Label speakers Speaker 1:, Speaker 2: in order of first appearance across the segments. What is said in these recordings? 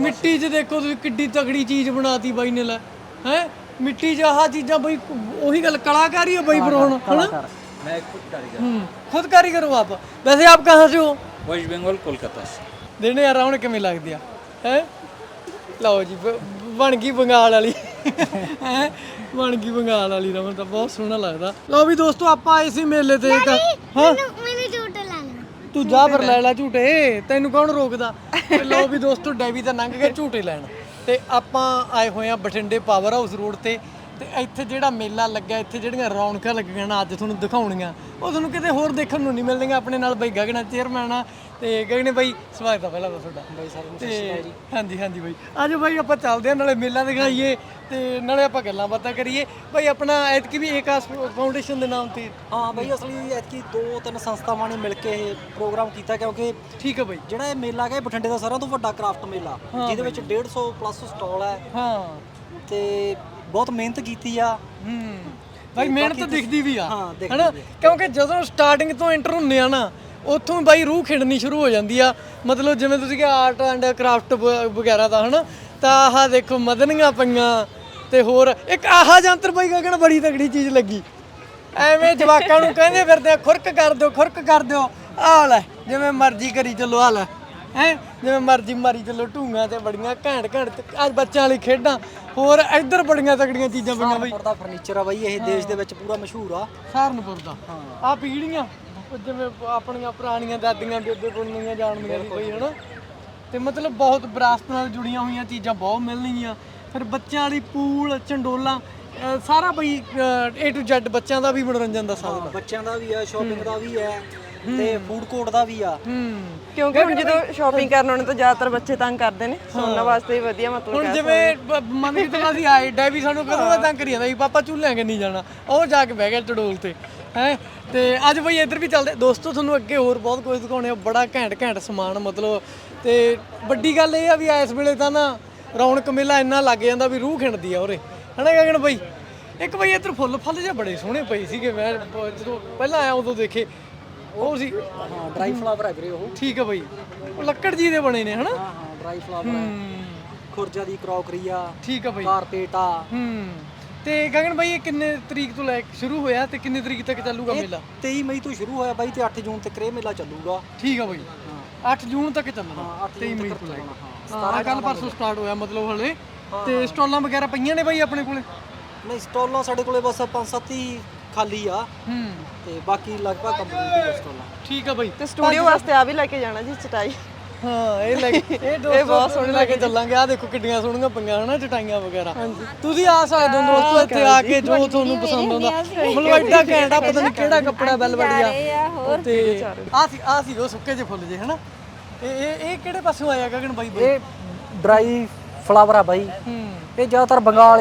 Speaker 1: ਮਿੱਟੀ 'ਚ ਦੇਖੋ ਤੁਸੀਂ ਕਿੱਡੀ ਤਗੜੀ ਚੀਜ਼ ਬਣਾਤੀ ਬਾਈ ਨੇ ਲੈ ਹੈ ਮਿੱਟੀ 'ਚ ਆਹ ਚੀਜ਼ਾਂ ਬਈ ਉਹੀ ਗੱਲ ਕਲਾਕਾਰੀ ਹੈ ਬਾਈ ਫਿਰ ਹੁਣ ਹਨਾ
Speaker 2: मैं खुद कारीगर
Speaker 1: खुद कारीगर हो आप वैसे आप कहाँ से हो
Speaker 2: वेस्ट बंगाल कोलकाता से
Speaker 1: देने यार ਹੁਣ ਕਿਵੇਂ ਲੱਗਦੀ ਆ ਹੈ ਲਓ ਜੀ ਬਣ ਗਈ ਬੰਗਾਲ ਵਾਲੀ ਹੈ ਬਣ ਗਈ ਬੰਗਾਲ ਵਾਲੀ ਰਮਨ ਤਾਂ ਬਹੁਤ ਸੋਹਣਾ ਲੱਗਦਾ ਲਓ ਵੀ ਦੋਸਤੋ ਆਪਾਂ ਆਏ ਸੀ ਮੇਲੇ ਤੇ ਹਾਂ
Speaker 3: ਮੈਨੂੰ ਝੂਟੇ ਲੈਣਾ
Speaker 1: ਤੂੰ ਜਾ ਫਿਰ ਲੈ ਲੈ ਝੂਟੇ ਤੈਨੂੰ ਕੌਣ ਰੋਕਦਾ ਤੇ ਲਓ ਵੀ ਦੋਸਤੋ ਡੈਵੀ ਤਾਂ ਲੰਘ ਗਿਆ ਝੂਟੇ ਲੈਣ ਤੇ ਆਪਾਂ ਆਏ ਹੋਏ ਆ ਬਠਿੰਡੇ ਪਾਵਰ ਹਾਊਸ ਰੋਡ ਤੇ ਇੱਥੇ ਜਿਹੜਾ ਮੇਲਾ ਲੱਗਾ ਇੱਥੇ ਜਿਹੜੀਆਂ ਰੌਣਕਾਂ ਲੱਗੀਆਂ ਨਾ ਅੱਜ ਤੁਹਾਨੂੰ ਦਿਖਾਉਣੀਆਂ ਉਹ ਤੁਹਾਨੂੰ ਕਿਤੇ ਹੋਰ ਦੇਖਣ ਨੂੰ ਨਹੀਂ ਮਿਲਣਗੀਆਂ ਆਪਣੇ ਨਾਲ ਬਾਈ ਗਗਨਾ ਚੇਅਰਮੈਨ ਆ ਤੇ ਗਗਨੇ ਬਾਈ ਸਵਾਗਤ ਆ ਪਹਿਲਾਂ ਤਾਂ ਤੁਹਾਡਾ ਬਾਈ ਸਾਹਿਬ ਨੂੰ ਸਤਿ ਸ਼੍ਰੀ ਅਕਾਲ ਜੀ ਹਾਂਜੀ ਹਾਂਜੀ ਬਾਈ ਆਜੋ ਬਾਈ ਆਪਾਂ ਚੱਲਦੇ ਆ ਨਾਲੇ ਮੇਲਾ ਦਿਖਾਈਏ ਤੇ ਨਾਲੇ ਆਪਾਂ ਗੱਲਾਂ ਬਾਤਾਂ ਕਰੀਏ ਬਾਈ ਆਪਣਾ ਐਤਕੀ ਵੀ ਏਕਾਸ ਫਾਊਂਡੇਸ਼ਨ ਦੇ ਨਾਮ ਤੇ
Speaker 4: ਹਾਂ ਬਾਈ ਅਸਲੀ ਐਤਕੀ 2-3 ਸੰਸਥਾਵਾਂ ਨੇ ਮਿਲ ਕੇ ਇਹ ਪ੍ਰੋਗਰਾਮ ਕੀਤਾ ਕਿਉਂਕਿ
Speaker 1: ਠੀਕ ਹੈ ਬਾਈ
Speaker 4: ਜਿਹੜਾ ਇਹ ਮੇਲਾ ਹੈ ਬਠਿੰਡੇ ਦਾ ਸਾਰਿਆਂ ਤੋਂ ਵੱਡਾ ਕ੍ਰਾਫਟ ਮੇਲਾ ਜਿਹਦੇ ਵਿੱਚ 150 ਪਲੱਸ ਸਟਾਲ ਹੈ
Speaker 1: ਹਾਂ
Speaker 4: ਤੇ ਬਹੁਤ ਮਿਹਨਤ ਕੀਤੀ ਆ
Speaker 1: ਬਾਈ ਮਿਹਨਤ ਦਿਖਦੀ ਵੀ ਆ
Speaker 4: ਹਾਂ, ਦਿਖਦੀ
Speaker 1: ਹੈਨਾ ਕਿਉਂਕਿ ਜਦੋਂ ਸਟਾਰਟਿੰਗ ਤੋਂ ਐਂਟਰ ਹੁੰਨੇ ਆ ਨਾ ਉੱਥੋਂ ਬਾਈ ਰੂਹ ਖਿੜਨੀ ਸ਼ੁਰੂ ਹੋ ਜਾਂਦੀ ਆ ਮਤਲਬ ਜਿਵੇਂ ਤੁਸੀਂ ਕਿ ਆਰਟ ਐਂਡ ਕਰਾਫਟ ਵਗੈਰਾ ਦਾ ਹਨਾ ਤਾਂ ਆਹ ਦੇਖੋ ਮਦਨੀਆਂ ਪਈਆਂ ਤੇ ਹੋਰ ਇੱਕ ਆਹ ਜੰਤਰ ਬਾਈ ਗਗਨ ਬੜੀ ਤਗੜੀ ਚੀਜ਼ ਲੱਗੀ ਐਵੇਂ ਜਵਾਕਾਂ ਨੂੰ ਕਹਿੰਦੇ ਫਿਰਦੇ ਆ ਖੁਰਕ ਕਰ ਦਿਓ ਆਹ ਲੈ ਜਿਵੇਂ ਮਰਜ਼ੀ ਕਰੀ ਚੱਲੋ ਆ ਲੈ ਹੈ ਜਿਵੇਂ ਮਰਜ਼ੀ ਮਾਰੀ ਚੱਲੋ ਢੂੰਗਾਂ ਤੇ ਬੜੀਆਂ ਘੈਂਟ ਅੱਜ ਬੱਚਿਆਂ ਵਾਲੀ ਖੇਡਾਂ ਹੋਰ ਇੱਧਰ ਬੜੀਆਂ ਤਗੜੀਆਂ ਚੀਜ਼ਾਂ ਪਈਆਂ ਬਾਈ
Speaker 4: ਦਾ ਫਰਨੀਚਰ ਆ ਬਾਈ ਇਹ ਦੇਸ਼ ਦੇ ਵਿੱਚ ਪੂਰਾ ਮਸ਼ਹੂਰ ਆ
Speaker 1: ਸਹਾਰਨਪੁਰ ਦਾ ਆ ਪੀੜੀਆਂ ਜਿਵੇਂ ਆਪਣੀਆਂ ਪੁਰਾਣੀਆਂ ਦਾਦੀਆਂ ਬੇਬੇ ਪੁੰਨੀਆਂ ਜਾਣਦੀਆਂ ਸੀ ਬਈ ਹਨਾ ਤੇ ਮਤਲਬ ਬਹੁਤ ਵਿਰਾਸਤ ਨਾਲ ਜੁੜੀਆਂ ਹੋਈਆਂ ਚੀਜ਼ਾਂ ਬਹੁਤ ਮਿਲਣਗੀਆਂ ਫਿਰ ਬੱਚਿਆਂ ਵਾਲੀ ਪੂਲ ਚੰਡੋਲਾ ਸਾਰਾ ਬਈ A to Z ਬੱਚਿਆਂ ਦਾ ਵੀ ਮਨੋਰੰਜਨ ਦਾ ਸਾਧਨ
Speaker 4: ਬੱਚਿਆਂ ਦਾ ਵੀ ਹੈ ਸ਼ਾਪਿੰਗ ਦਾ ਵੀ ਹੈ ਤੇ ਫੂਡ ਕੋਰਟ ਦਾ ਵੀ ਆ
Speaker 5: ਕਿਉਂਕਿ ਹੁਣ ਜਦੋਂ ਸ਼ਾਪਿੰਗ ਕਰਨ ਆਉਣੇ ਤਾਂ ਜ਼ਿਆਦਾਤਰ ਬੱਚੇ ਤੰਗ ਕਰਦੇ ਨੇ ਉਹਨਾਂ ਵਾਸਤੇ ਵੀ ਵਧੀਆ ਮਤਲਬ
Speaker 1: ਹੁਣ ਜਿਵੇਂ ਮੰਨ ਕੇ ਚੱਲੋ ਅਸੀਂ ਆਏ ਡੈਵੀ ਸਾਨੂੰ ਕਦੋਂ ਦਾ ਤੰਗ ਕਰੀ ਜਾਂਦਾ ਸੀ ਪਾਪਾ ਝੂਲਿਆਂ ਕੇ ਨਹੀਂ ਜਾਣਾ ਉਹ ਜਾ ਕੇ ਬਹਿ ਗਿਆ ਚੜੋਲ ਤੇ ਹੈ ਤੇ ਅੱਜ ਬਈ ਇੱਧਰ ਵੀ ਚੱਲਦੇ ਦੋਸਤੋ ਤੁਹਾਨੂੰ ਅੱਗੇ ਹੋਰ ਬਹੁਤ ਕੁਝ ਦਿਖਾਉਣੇ ਆ ਬੜਾ ਘੈਂਟ ਸਮਾਨ ਮਤਲਬ ਤੇ ਵੱਡੀ ਗੱਲ ਇਹ ਆ ਵੀ ਇਸ ਵੇਲੇ ਤਾਂ ਨਾ ਰੌਣਕ ਮੇਲਾ ਇੰਨਾ ਲੱਗ ਜਾਂਦਾ ਵੀ ਰੂਹ ਖਿੰਡਦੀ ਆ ਉਰੇ ਹਨਾ ਗਗਨ ਬਈ ਇੱਕ ਬਈ ਇੱਧਰ ਫੁੱਲ ਜਿਹੇ ਬੜੇ ਸੋਹਣੇ ਪਏ ਸੀਗੇ ਮੈਂ ਜਦੋਂ ਪਹਿਲਾਂ ਆਇਆ ਉਦੋਂ ਦੇਖੇ ਉਹ ਸੀ
Speaker 4: ਹਾਂ ਡਰਾਈ ਫਲਾਵਰ ਹੈ ਵੀਰੇ ਉਹ
Speaker 1: ਠੀਕ ਹੈ ਬਈ ਉਹ ਲੱਕੜ ਜੀ ਦੇ ਬਣੇ ਨੇ ਹਨਾ
Speaker 4: ਹਾਂ ਡਰਾਈ ਫਲਾਵਰ ਹੈ ਖੁਰਜਾ ਦੀ ਕਰੋਕਰੀ ਆ
Speaker 1: ਠੀਕ ਹੈ ਬਈ
Speaker 4: ਕਾਰਪੇਟ ਆ
Speaker 1: ਤੇ ਗਗਨ ਬਾਈ ਇਹ ਕਿੰਨੇ ਤਰੀਕ ਤੋਂ ਲੈ ਕੇ ਸ਼ੁਰੂ ਹੋਇਆ ਤੇ ਕਿੰਨੇ ਤਰੀਕ ਤੱਕ ਚੱਲੂਗਾ ਮੇਲਾ
Speaker 4: 23 ਮਈ ਤੋਂ ਸ਼ੁਰੂ ਹੋਇਆ ਬਾਈ ਤੇ 8 ਜੂਨ ਤੱਕ ਇਹ ਮੇਲਾ ਚੱਲੂਗਾ
Speaker 1: ਠੀਕ ਆ ਬਾਈ 8 ਜੂਨ ਤੱਕ ਚੱਲਣਾ 23 ਮਈ ਤੋਂ ਲੈ ਕੇ 17 ਕੱਲ ਪਰਸੋਂ ਸਟਾਰਟ ਹੋਇਆ ਮਤਲਬ ਹਲੇ ਤੇ ਸਟਾਲਾਂ ਵਗੈਰਾ ਪਈਆਂ ਨੇ ਬਾਈ ਆਪਣੇ ਕੋਲੇ
Speaker 4: ਨਹੀਂ ਸਟਾਲਾਂ ਸਾਡੇ ਕੋਲੇ ਬਸ 5-7 ਹੀ ਖਾਲੀ ਆ ਤੇ ਬਾਕੀ ਲਗਭਗ ਕੰਪਲੀਟ ਹੈ ਸਟਾਲਾਂ
Speaker 1: ਠੀਕ ਆ ਬਾਈ
Speaker 5: ਤੇ ਸਟੂਡੀਓ ਵਾਸਤੇ ਆ ਵੀ ਲੈ ਕੇ ਜਾਣਾ ਜੀ ਚਟਾਈ
Speaker 1: ਹਾਂ ਇਹ ਲੈ ਕੇ ਇਹ ਬਹੁਤ ਸੋਹਣੇ ਲੈ ਕੇ ਚੱਲਾਂਗੇ ਆ ਦੇਖੋ ਕਿੱਡੀਆਂ ਸੋਹਣੀਆਂ ਪਈਆਂ ਹਨਾ ਚਟਾਈਆਂ ਵਗੈਰਾ ਤੁਸੀਂ ਆ ਸਕਦੇ ਹੋ ਦੋਸਤੋ ਇੱਥੇ ਆ ਕੇ ਜੋ ਤੁਹਾਨੂੰ ਪਸੰਦ ਆਉਂਦਾ ਮਤਲਬ ਐਡਾ ਘੈਂਟ ਆ ਪਤਾ ਨਹੀਂ ਕਿਹੜਾ ਕੱਪੜਾ ਬੈਲਵੜੀਆ ਤੇ ਆ ਸੀ ਉਹ ਸੁੱਕੇ ਜਿਹੇ ਫੁੱਲ ਜੇ ਹਨਾ ਇਹ ਕਿਹੜੇ ਪਾਸੋਂ ਆਇਆ ਗਗਨ ਬਾਈ
Speaker 4: ਇਹ ਡਰਾਈ ਫਲਾਵਰ ਆ ਬਾਈ ਇਹ ਜ਼ਿਆਦਾਤਰ ਬੰਗਾਲ